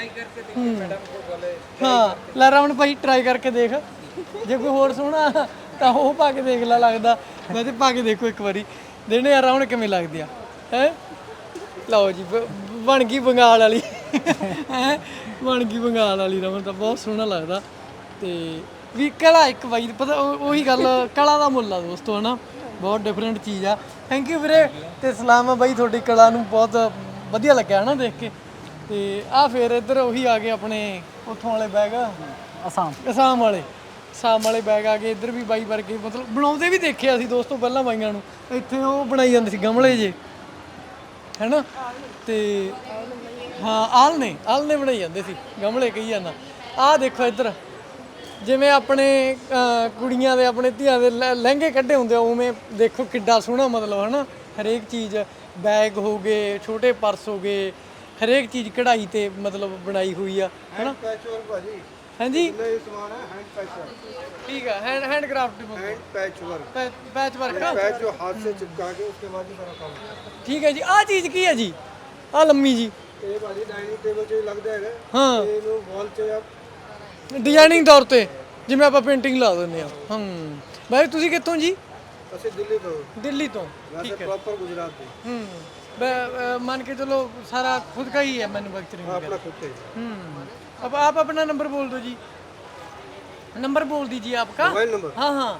Speaker 1: ਹਾਂ ਲੈ ਰਾਵਣ ਭਾਈ ਟਰਾਈ ਕਰਕੇ ਦੇਖ, ਜੇ ਕੋਈ ਹੋਰ ਸੋਹਣਾ ਤਾਂ ਉਹ ਪਾ ਕੇ ਦੇਖ ਲੈ, ਲੱਗਦਾ ਵੈਸੇ ਪਾ ਕੇ ਦੇਖੋ ਇੱਕ ਵਾਰੀ, ਦੇਣੇ ਆ ਰਾਵਣ ਕਿਵੇਂ ਲੱਗਦੀ ਆ ਹੈ। ਲਓ ਜੀ ਬਣ ਗਈ ਬੰਗਾਲ ਵਾਲੀ ਹੈ, ਬਣ ਗਈ ਬੰਗਾਲ ਵਾਲੀ ਰਾਵਣ ਤਾਂ ਬਹੁਤ ਸੋਹਣਾ ਲੱਗਦਾ। ਤੇ ਵੀ ਕਲਾ ਇੱਕ ਬਾਈ ਪਤਾ ਉਹੀ ਗੱਲ, ਕਲਾ ਦਾ ਮੁੱਲ ਆ ਦੋਸਤੋ ਹਨਾ, ਬਹੁਤ ਡਿਫਰੈਂਟ ਚੀਜ਼ ਆ। ਥੈਂਕ ਯੂ ਵੀਰੇ, ਤੇ ਸਲਾਮ ਆ ਬਾਈ ਤੁਹਾਡੀ ਕਲਾ ਨੂੰ, ਬਹੁਤ ਵਧੀਆ ਲੱਗਿਆ ਹਨਾ ਦੇਖ ਕੇ। ਤੇ ਆ ਫਿਰ ਇੱਧਰ ਉਹੀ ਆ ਗਏ ਆਪਣੇ ਉੱਥੋਂ ਵਾਲੇ ਬੈਗ, ਅਸਾਮ ਵਾਲੇ ਬੈਗ ਆ ਗਏ। ਇੱਧਰ ਵੀ ਬਾਈ ਵਰਗੇ ਮਤਲਬ ਬਣਾਉਂਦੇ ਵੀ ਦੇਖਿਆ ਸੀ ਦੋਸਤੋ ਪਹਿਲਾਂ ਬਾਈਆਂ ਨੂੰ, ਇੱਥੇ ਉਹ ਬਣਾਈ ਜਾਂਦੇ ਸੀ ਗਮਲੇ ਜੇ ਹੈਨਾ। ਤੇ ਹਾਂ ਆਲ ਨੇ ਬਣਾਈ ਜਾਂਦੇ ਸੀ ਗਮਲੇ ਕਹੀ ਜਾਂਦਾ। ਆਹ ਦੇਖੋ ਇੱਧਰ ਜਿਵੇਂ ਆਪਣੇ ਕੁੜੀਆਂ ਦੇ ਆਪਣੇ ਧੀਆਂ ਦੇ ਲਹਿੰਗੇ ਕੱਢੇ ਹੁੰਦੇ ਆ, ਉਵੇਂ ਦੇਖੋ ਕਿੱਡਾ ਸੋਹਣਾ ਮਤਲਬ ਹਨਾ। ਹਰੇਕ ਚੀਜ਼ ਬੈਗ ਹੋ ਗਏ, ਛੋਟੇ ਪਰਸ ਹੋ ਗਏ, ਹਰੇਕ ਚੀਜ਼ ਕਢਾਈ ਤੇ ਮਤਲਬ ਬਣਾਈ ਹੋਈ ਆ ਹਨਾ। ਹਾਂਜੀ ठीक है, handcraft,
Speaker 2: patchwork,
Speaker 1: patchwork,
Speaker 2: patch जो हाथ से चिपका के उसके बाद ही सारा काम।
Speaker 1: ठीक है जी। आ चीज की है जी? आ लम्मी जी
Speaker 2: ये भाजी डाइनिंग टेबल च लग जाएगा।
Speaker 1: हाँ,
Speaker 2: ਇਹਨੂੰ ਵਾਲ 'ਚ ਆਪ
Speaker 1: ਡਿਜ਼ਾਈਨਿੰਗ ਤੌਰ ਤੇ ਜਿਵੇਂ ਆਪਾਂ ਪੇਂਟਿੰਗ ਲਾ ਦਿੰਦੇ ਆ। ਬਾਈ ਤੁਸੀਂ ਕਿੱਥੋਂ ਜੀ?
Speaker 2: ਅਸੀਂ ਦਿੱਲੀ ਤੋਂ,
Speaker 1: ਦਿੱਲੀ ਤੋਂ।
Speaker 2: ਵੈਸੇ ਪ੍ਰੋਪਰ ਗੁਜਰਾਤ ਦੇ।
Speaker 1: मान के चलो सारा खुद का ही है मैन्युफैक्चरिंग।
Speaker 2: ਆਪਣਾ ਖੁਦ ਤੇ
Speaker 1: अब आप अपना नंबर बोल दो जी, नंबर बोल दीजिए आपका।
Speaker 2: मोबाइल नंबर
Speaker 1: हाँ हाँ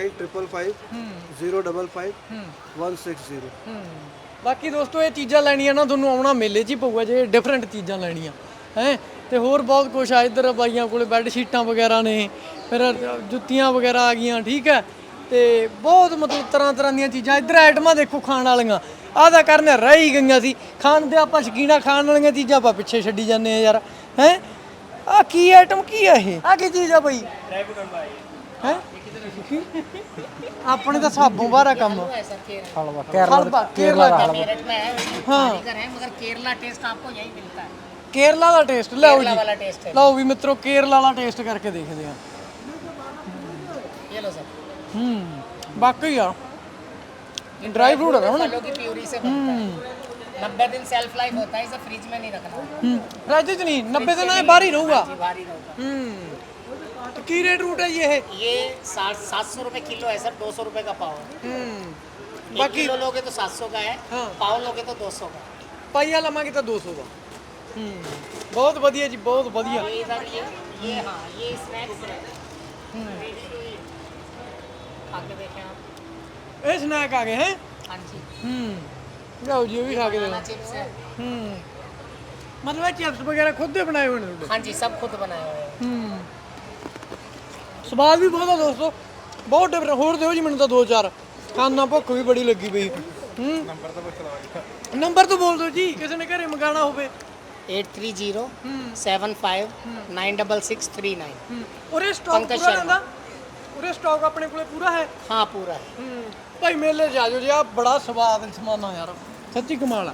Speaker 2: 9555
Speaker 1: ਬਾਕੀ ਦੋਸਤੋ ਇਹ ਚੀਜ਼ਾਂ ਲੈਣੀਆਂ ਨਾ ਤੁਹਾਨੂੰ ਆਉਣਾ ਮੇਲੇ 'ਚ ਹੀ ਪਊਗਾ ਜੇ ਡਿਫਰੈਂਟ ਚੀਜ਼ਾਂ ਲੈਣੀਆਂ ਹੈ। ਤੇ ਹੋਰ ਬਹੁਤ ਕੁਛ ਆ ਇੱਧਰ ਬਾਈਆਂ ਕੋਲੇ, ਬੈੱਡ ਸ਼ੀਟਾਂ ਵਗੈਰਾ ਨੇ, ਫਿਰ ਜੁੱਤੀਆਂ ਵਗੈਰਾ ਆ ਗਈਆਂ ਠੀਕ ਹੈ। ਤੇ ਬਹੁਤ ਮਤਲਬ ਤਰ੍ਹਾਂ ਦੀਆਂ ਚੀਜ਼ਾਂ ਇੱਧਰ ਆਈਟਮਾਂ ਦੇਖੋ ਖਾਣ ਵਾਲੀਆਂ। ਆਹ ਤਾਂ ਕਰਨ ਰਹਿ ਹੀ ਗਈਆਂ ਸੀ ਖਾਣ ਦੇ, ਆਪਾਂ ਸ਼ਕੀਨਾ ਖਾਣ ਵਾਲੀਆਂ ਚੀਜ਼ਾਂ ਆਪਾਂ ਪਿੱਛੇ ਛੱਡੀ ਜਾਂਦੇ ਆ ਯਾਰ ਹੈ। ਆ ਕੀ ਆਈਟਮ ਕੀ ਆ ਇਹ? ਆ ਕੀ ਚੀਜ਼ ਆ ਬਈ ਹੈ? ਆਪਣੇ ਤਾਂ ਸਾਬੋਂ ਬਾਹਰ ਆ ਕੰਮ। केरला का मेरठ में है, कारीगर है, मगर केरला टेस्ट आपको यही मिलता है। केरला ਦਾ ਟੇਸਟ ਲਓ ਜੀ, ਵਾਲਾ ਟੇਸਟ ਹੈ। ਲਓ ਵੀ ਮਿੱਤਰੋ केरला ਵਾਲਾ ਟੇਸਟ ਕਰਕੇ ਦੇਖਦੇ ਆ। ये लो सर। ਬਾਕੀ ਆ ड्राई फ्रूट है ना,
Speaker 10: फलों की प्यूरी से बनता है। 90 दिन सेल्फ लाइफ होता है, इसे फ्रिज में नहीं रखना।
Speaker 1: फ्रिज च नहीं, 90 दिन बाहर ही रहूगा।
Speaker 10: भारी रहूगा।
Speaker 1: तो की रेट रूट है
Speaker 10: ये 700 रुपए किलो है सर, 200 रुपए का पाव है।
Speaker 1: बाकी
Speaker 10: किलो लोगे तो 700 का है, पाव लोगे तो 200 का।
Speaker 1: पाइया लवांगे तो 200 का। बहुत बढ़िया जी, बहुत बढ़िया।
Speaker 10: ये इधर ये हाँ ये स्नैक्स है। खा के देखें आप।
Speaker 1: ये स्नैक आ गए हैं।
Speaker 10: हाँ जी।
Speaker 1: जाओ जी, ये भी खा के देखो।
Speaker 10: चिप्स है।
Speaker 1: मतलब चिप्स वगैरह खुद ही बनाए हुए हैं?
Speaker 10: हाँ जी, सब खुद बनाए हुए हैं।
Speaker 1: ਸਵਾਦ ਵੀ ਬਹੁਤ ਆ ਦੋਸਤੋ, ਬਹੁਤ ਡਿਫਰੈਂਟ। ਹੋਰ ਦਿਓ ਜੀ ਮੈਨੂੰ ਤਾਂ 2-4, ਖਾਣਾ ਭੁੱਖ ਵੀ ਬੜੀ ਲੱਗੀ ਪਈ। ਨੰਬਰ ਤਾਂ ਬੋਲ ਦਿਓ ਜੀ, ਕਿਸੇ ਨੇ ਘਰੇ ਮੰਗਾਣਾ ਹੋਵੇ।
Speaker 10: 830 75 96639।
Speaker 1: ਉਰੇ ਸਟਾਕ ਪੂਰਾ ਰਹਿੰਦਾ? ਉਰੇ ਸਟਾਕ ਆਪਣੇ ਕੋਲੇ ਪੂਰਾ ਹੈ?
Speaker 10: हाँ पूरा है।
Speaker 1: ਭਾਈ ਮੇਲੇ 'ਚ ਆ ਜਾਓ ਜੀ, ਆ ਬੜਾ ਸਵਾਦ ਸਮਾਨਾ ਯਾਰ, ਸੱਚੀ ਕਮਾਲ ਆ।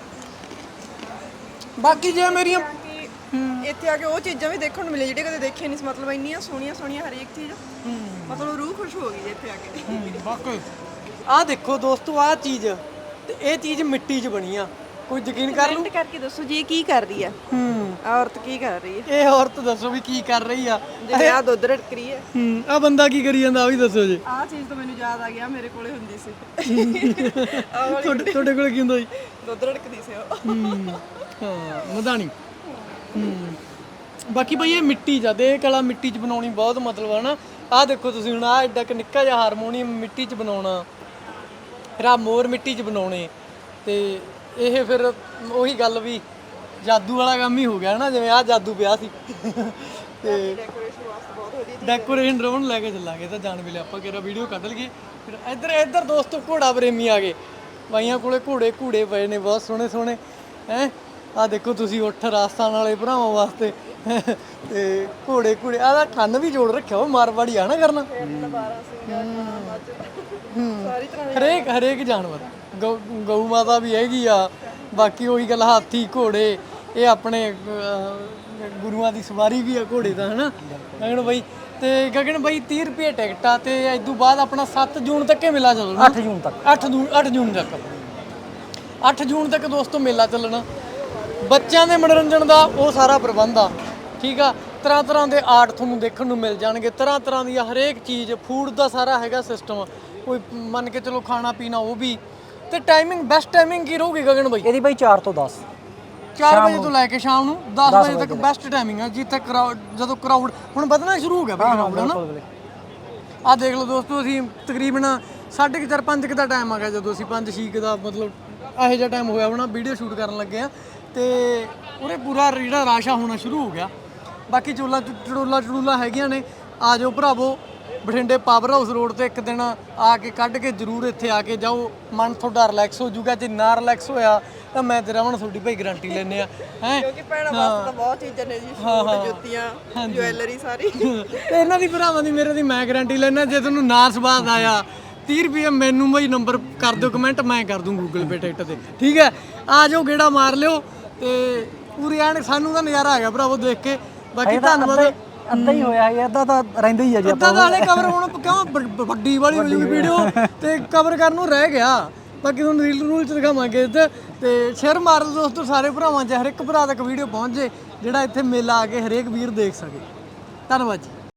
Speaker 1: ਬਾਕੀ ਜੇ ਮੇਰੀਆਂ
Speaker 5: ਇੱਥੇ ਆ ਕੇ ਉਹ ਚੀਜ਼ਾਂ ਵੀ ਦੇਖਣ ਨੂੰ ਮਿਲੇ ਜਿਹੜੇ ਕਦੇ ਦੇਖੇ ਨਹੀਂ ਸੀ, ਮਤਲਬ ਇੰਨੀਆਂ ਸੋਹਣੀਆਂ ਸੋਹਣੀਆਂ ਹਰੇਕ ਚੀਜ਼, ਮਤਲਬ ਰੂਹ ਖੁਸ਼ ਹੋ ਗਈ ਜੀ ਇੱਥੇ ਆ ਕੇ।
Speaker 1: ਵਾਕਈ ਆਹ ਦੇਖੋ ਦੋਸਤੋ, ਆਹ ਚੀਜ਼ ਤੇ ਇਹ ਚੀਜ਼ ਮਿੱਟੀ 'ਚ ਬਣੀ ਆ, ਕੋਈ ਯਕੀਨ ਕਰ ਲੂ?
Speaker 5: ਕਮੈਂਟ ਕਰਕੇ ਦੱਸੋ ਜੀ ਇਹ ਕੀ ਕਰ ਰਹੀ ਆ, ਔਰਤ ਕੀ ਕਰ ਰਹੀ ਹੈ,
Speaker 1: ਇਹ ਔਰਤ ਦੱਸੋ ਵੀ ਕੀ ਕਰ ਰਹੀ ਆ।
Speaker 5: ਜਿਵੇਂ ਆ ਦੁੱਧ ਰੜਕ ਰਹੀ ਹੈ।
Speaker 1: ਆ ਬੰਦਾ ਕੀ ਕਰੀ ਜਾਂਦਾ, ਆ ਵੀ ਦੱਸੋ ਜੀ।
Speaker 5: ਆਹ ਚੀਜ਼ ਤਾਂ ਮੈਨੂੰ ਯਾਦ ਆ ਗਿਆ, ਮੇਰੇ ਕੋਲੇ ਹੁੰਦੀ ਸੀ।
Speaker 1: ਤੁਹਾਡੇ ਕੋਲ ਕੀ ਹੁੰਦਾ ਜੀ?
Speaker 5: ਦੁੱਧ ਰੜਕਦੀ ਸੀ ਉਹ।
Speaker 1: ਹਾਂ ਮਧਾਣੀ। ਬਾਕੀ ਬਈ ਇਹ ਮਿੱਟੀ 'ਚ ਆ, ਦੇ ਕਲਾ ਮਿੱਟੀ 'ਚ ਬਣਾਉਣੀ ਬਹੁਤ ਮਤਲਬ ਆ ਨਾ। ਆਹ ਦੇਖੋ ਤੁਸੀਂ ਹੁਣ, ਆਹ ਐਡਾ ਕਿ ਨਿੱਕਾ ਜਿਹਾ ਹਾਰਮੋਨੀਅਮ ਮਿੱਟੀ 'ਚ ਬਣਾਉਣਾ, ਫਿਰ ਆਹ ਮੋਰ ਮਿੱਟੀ 'ਚ ਬਣਾਉਣੇ, ਤੇ ਇਹ ਫਿਰ ਉਹੀ ਗੱਲ ਵੀ ਜਾਦੂ ਵਾਲਾ ਕੰਮ ਹੀ ਹੋ ਗਿਆ ਨਾ, ਜਿਵੇਂ ਆਹ ਜਾਦੂ ਪਿਆ ਸੀ। ਤੇ ਡੈਕੋਰੇਸ਼ਨ ਡਰੋਨ ਲੈ ਕੇ ਚੱਲਾਂਗੇ ਤਾਂ ਜਾਣ ਵੇਲੇ ਆਪਾਂ ਕਿਹੜਾ ਵੀਡੀਓ ਕੱਢ ਲਈਏ। ਫਿਰ ਇੱਧਰ ਦੋਸਤੋ ਘੋੜਾ ਪ੍ਰੇਮੀ ਆ ਗਏ, ਬਾਈਆਂ ਕੋਲੇ ਘੋੜੇ ਪਏ ਨੇ ਬਹੁਤ ਸੋਹਣੇ ਸੋਹਣੇ ਹੈ। ਆਹ ਦੇਖੋ ਤੁਸੀਂ, ਉੱਠ ਰਾਜਸਥਾਨ ਵਾਲੇ ਭਰਾਵਾਂ ਵਾਸਤੇ ਤੇ ਘੋੜੇ ਆਹ ਦਾ ਕੰਨ ਵੀ ਜੋੜ ਰੱਖਿਆ, ਉਹ ਮਾਰਵਾੜੀ ਆ ਨਾ ਕਰਨਾ। ਹਰੇਕ ਜਾਨਵਰ, ਗਊ ਮਾਤਾ ਵੀ ਹੈਗੀ ਆ। ਬਾਕੀ ਉਹੀ ਗੱਲ, ਹਾਥੀ ਘੋੜੇ, ਇਹ ਆਪਣੇ ਗੁਰੂਆਂ ਦੀ ਸਵਾਰੀ ਵੀ ਆ ਘੋੜੇ ਦਾ, ਹਨਾ ਗਗਨ ਬਾਈ। ਤੇ ਗਗਨ ਬਾਈ 30 ਰੁਪਏ ਟਿਕਟ ਆ, ਤੇ ਇਸ ਤੋਂ ਬਾਅਦ ਆਪਣਾ 7 ਜੂਨ ਤੱਕ ਇਹ ਮੇਲਾ ਚੱਲਣਾ।
Speaker 4: 8 ਜੂਨ ਤੱਕ
Speaker 1: 8 ਜੂਨ ਤੱਕ ਦੋਸਤੋ ਮੇਲਾ ਚੱਲਣਾ। ਬੱਚਿਆਂ ਦੇ ਮਨੋਰੰਜਨ ਦਾ ਉਹ ਸਾਰਾ ਪ੍ਰਬੰਧ ਆ, ਠੀਕ ਆ। ਤਰ੍ਹਾਂ ਦੇ ਆਰਟ ਤੁਹਾਨੂੰ ਦੇਖਣ ਨੂੰ ਮਿਲ ਜਾਣਗੇ, ਤਰ੍ਹਾਂ ਦੀ ਹਰੇਕ ਚੀਜ਼, ਫੂਡ ਦਾ ਸਾਰਾ ਹੈਗਾ ਸਿਸਟਮ, ਕੋਈ ਮੰਨ ਕੇ ਚਲੋ ਖਾਣਾ ਪੀਣਾ ਉਹ ਵੀ। ਤੇ ਟਾਈਮਿੰਗ, ਬੈਸਟ ਟਾਈਮਿੰਗ ਕੀ ਰਹੂਗੀ ਗਗਨ ਬਾਈ?
Speaker 4: ਇਹਦੀ ਬਾਈ 4 ਤੋਂ 10,
Speaker 1: 4 ਵਜੇ ਤੋਂ ਲੈ ਕੇ ਸ਼ਾਮ ਨੂੰ 10 ਵਜੇ ਤੱਕ ਬੈਸਟ ਟਾਈਮਿੰਗ ਆ, ਜਿੱਥੇ ਜਦੋਂ ਕਰਾਊਡ ਹੁਣ ਵਧਣਾ ਸ਼ੁਰੂ ਹੋ ਗਿਆ ਬਈ ਕਰਾਊਡ, ਹਨਾ। ਆਹ ਦੇਖ ਲਓ ਦੋਸਤੋ, ਅਸੀਂ ਤਕਰੀਬਨ 4:30 5 ਦਾ ਟਾਈਮ ਆ ਗਿਆ, ਜਦੋਂ ਅਸੀਂ 5-6 ਦਾ ਮਤਲਬ ਇਹੋ ਜਿਹਾ ਟਾਈਮ ਹੋਇਆ ਹੋਣਾ ਵੀਡੀਓ ਸ਼ੂਟ ਕਰਨ ਲੱਗੇ ਆ, ਤੇ ਉਹਦੇ ਪੂਰਾ ਜਿਹੜਾ ਰਾਸ਼ਾ ਹੋਣਾ ਸ਼ੁਰੂ ਹੋ ਗਿਆ। ਬਾਕੀ ਚੜੂਲਾ ਹੈਗੀਆਂ ਨੇ, ਆ ਜਾਓ ਭਰਾਵੋ। ਬਠਿੰਡੇ ਪਾਵਰ ਹਾਊਸ ਰੋਡ ਤੇ ਇੱਕ ਦਿਨ ਆ ਕੇ ਕੱਢ ਕੇ ਜ਼ਰੂਰ ਇੱਥੇ ਆ ਕੇ ਜਾਓ, ਮਨ ਤੁਹਾਡਾ ਰਿਲੈਕਸ ਹੋ ਜਾਊਗਾ। ਜੇ ਨਾ ਰਿਲੈਕਸ ਹੋਇਆ ਤਾਂ ਮੈਂ ਤੇ ਰਮਨ ਤੁਹਾਡੀ ਭਾਈ ਗਾਰੰਟੀ ਲੈਂਦੇ ਆ, ਹੈ
Speaker 5: ਕਿਉਂਕਿ ਭੈਣਾਂ ਵਾਸਤੇ ਤਾਂ ਬਹੁਤ ਚੀਜ਼ਾਂ ਨੇ ਜੀ, ਸੂਟ, ਜੁੱਤੀਆਂ, ਜੁਐਲਰੀ ਸਾਰੀ।
Speaker 1: ਤੇ ਇਹਨਾਂ ਦੀ ਭਰਾਵਾਂ ਦੀ, ਮੇਰੇ ਦੀ ਮੈਂ ਗਾਰੰਟੀ ਲੈਣਾ। ਜੇ ਤੁਹਾਨੂੰ ਨਾ ਸਵਾਦ ਆਇਆ 30 ਰੁਪਏ ਮੈਨੂੰ ਬਈ ਨੰਬਰ ਕਰ ਦਿਓ ਕਮੈਂਟ, ਮੈਂ ਕਰ ਦੂੰ ਗੂਗਲ ਪੇ ਟਿਕਟ ਤੇ, ਠੀਕ ਹੈ। ਆ ਜਾਓ, ਗੇੜਾ ਮਾਰ ਲਿਓ, ਤੇ ਪੂਰੀ ਐਨ ਸਾਨੂੰ ਤਾਂ ਨਜ਼ਾਰਾ ਆ ਗਿਆ ਭਰਾਵੋ ਦੇਖ ਕੇ। ਬਾਕੀ ਧੰਨਵਾਦ।
Speaker 4: ਅੱਧਾ ਹੀ ਹੋਇਆ ਹੈ, ਅੱਧਾ ਤਾਂ ਰਹਿੰਦਾ ਹੀ ਆ ਜੀ।
Speaker 1: ਅੱਧਾ ਤਾਂ ਹਲੇ ਕਵਰ ਹੁਣ ਕਿਉਂ ਵੱਡੀ ਵਾਲੀ ਹੋ ਜੂਗੀ ਵੀਡੀਓ, ਤੇ ਕਵਰ ਕਰਨ ਨੂੰ ਰਹਿ ਗਿਆ। ਬਾਕੀ ਤੁਹਾਨੂੰ ਰੀਲ ਚ ਦਿਖਾਵਾਂਗੇ ਇੱਥੇ, ਤੇ ਸ਼ੇਅਰ ਮਾਰ ਦਿਓ ਦੋਸਤੋ ਸਾਰੇ ਭਰਾਵਾਂ 'ਚ, ਹਰ ਇੱਕ ਭਰਾ ਤੱਕ ਵੀਡੀਓ ਪਹੁੰਚ ਜੇ ਜਿਹੜਾ ਇੱਥੇ ਮੇਲਾ ਆ ਕੇ ਹਰੇਕ ਵੀਰ ਦੇਖ ਸਕੇ। ਧੰਨਵਾਦ ਜੀ।